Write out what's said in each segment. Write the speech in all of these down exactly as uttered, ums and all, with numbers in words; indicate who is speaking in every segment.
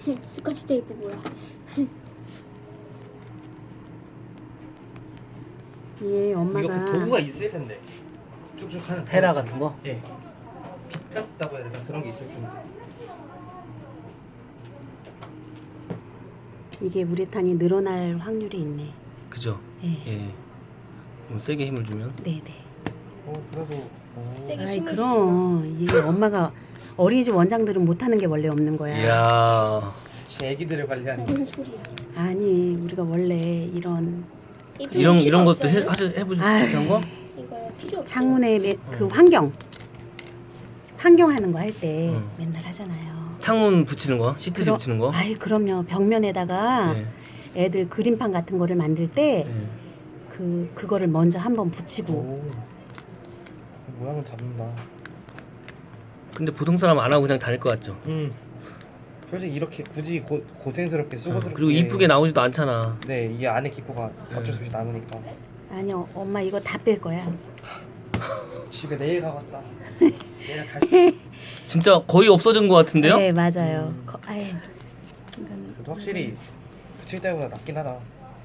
Speaker 1: 스카치 테이프 뭐야?
Speaker 2: 예,
Speaker 3: 이거
Speaker 2: 엄마가
Speaker 3: 그 도구가 있을 텐데 쭉쭉 하는
Speaker 4: 헤라
Speaker 3: 도구.
Speaker 4: 같은 거?
Speaker 3: 예. 빛 같다고 해야 되나 그런 게 있을 텐데.
Speaker 2: 이게 우레탄이 늘어날 확률이 있네.
Speaker 4: 그죠?
Speaker 2: 예.
Speaker 4: 예. 좀 세게 힘을 주면.
Speaker 2: 네네.
Speaker 3: 어 그래도 어.
Speaker 1: 세게
Speaker 2: 아이
Speaker 1: 힘을
Speaker 2: 그럼 이게 엄마가 어린이집 원장들은 못하는 게 원래 없는 거야.
Speaker 4: 이야.
Speaker 3: 제 애기들을 관리하는 게.
Speaker 1: 무슨 소리야?
Speaker 2: 아니 우리가 원래 이런
Speaker 1: 이거
Speaker 4: 이런
Speaker 1: 필요
Speaker 4: 이런 것도 해
Speaker 1: 없어요?
Speaker 4: 하셔 해보셨
Speaker 2: 아이.
Speaker 4: 비슷한 거?
Speaker 1: 이거요 필요 없어.
Speaker 2: 창문에 매- 그
Speaker 4: 어.
Speaker 2: 환경 환경 하는 거 할 때
Speaker 4: 어.
Speaker 2: 맨날 하잖아요.
Speaker 4: 창문 붙이는 거, 시트지
Speaker 2: 그럼-
Speaker 4: 붙이는 거.
Speaker 2: 아이 그럼요. 벽면에다가
Speaker 4: 예.
Speaker 2: 애들 그림판 같은 거를 만들 때
Speaker 4: 예.
Speaker 2: 그 그거를 먼저 한번 붙이고
Speaker 3: 오. 모양은 잡는다.
Speaker 4: 근데 보통 사람 안 하고 그냥 다닐 것 같죠.
Speaker 3: 음. 솔직히 이렇게 굳이 고, 고생스럽게
Speaker 4: 어,
Speaker 3: 수고스럽게.
Speaker 4: 그리고 이쁘게 나오지도 않잖아.
Speaker 3: 네, 이게 안에 기포가 어쩔 수 없이
Speaker 4: 네.
Speaker 3: 남으니까.
Speaker 2: 아니요 엄마 이거 다 뺄 거야.
Speaker 3: 집에 내일 가겠다. 내일 갈 수.
Speaker 4: 진짜 거의 없어진 것 같은데요?
Speaker 2: 네 맞아요.
Speaker 3: 음.
Speaker 2: 거, 아유, 이거는
Speaker 3: 그래도 확실히 붙일 때보다 낫긴 하다.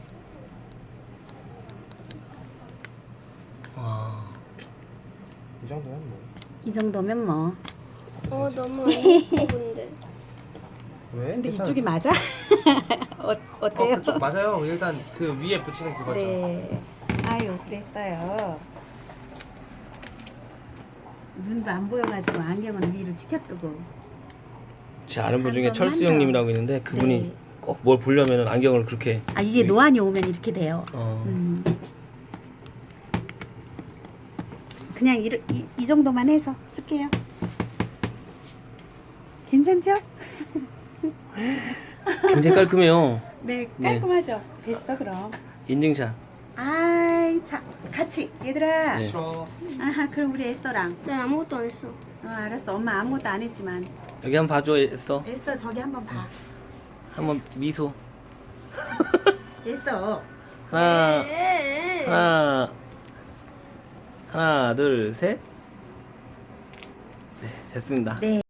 Speaker 4: 와.
Speaker 3: 이 정도면 뭐.
Speaker 2: 이 정도면 뭐.
Speaker 1: 어 너무 안 예쁜데.
Speaker 3: 왜?
Speaker 2: 근데
Speaker 3: 괜찮아.
Speaker 2: 이쪽이 맞아? 어,
Speaker 3: 어,
Speaker 2: 어때요?
Speaker 3: 그쪽 맞아요. 일단 그 위에 붙이는 그거죠.
Speaker 2: 네. 아유 그랬어요. 눈도 안 보여가지고 안경은 위로 치켜뜨고.
Speaker 4: 제 아는 분 중에
Speaker 2: 한번
Speaker 4: 철수
Speaker 2: 한다.
Speaker 4: 형님이라고 있는데 그분이
Speaker 2: 네.
Speaker 4: 꼭 뭘 보려면 안경을 그렇게.
Speaker 2: 아 이게 노안이 오면 이렇게 돼요.
Speaker 4: 어.
Speaker 2: 음. 그냥 이, 이, 이 정도만 해서 쓸게요. 괜찮죠?
Speaker 4: 굉장히 깔끔해요.
Speaker 2: 네
Speaker 4: 네.
Speaker 2: 깔끔하죠. 됐어 그럼.
Speaker 4: 인증샷.
Speaker 2: 아이 자 같이 얘들아.
Speaker 4: 네.
Speaker 3: 싫어.
Speaker 2: 아하 그럼 우리 에스더랑.
Speaker 1: 난 아무것도 안 했어.
Speaker 2: 어 알았어 엄마 아무것도 안 했지만
Speaker 4: 여기 한번 봐줘, 에스더.
Speaker 2: 에스더 저기 한번 봐.
Speaker 4: 한번 미소.
Speaker 2: 에스더
Speaker 4: 하나,
Speaker 1: 에
Speaker 4: 하나, 하나, 둘, 셋. 네, 됐습니다.
Speaker 2: 네.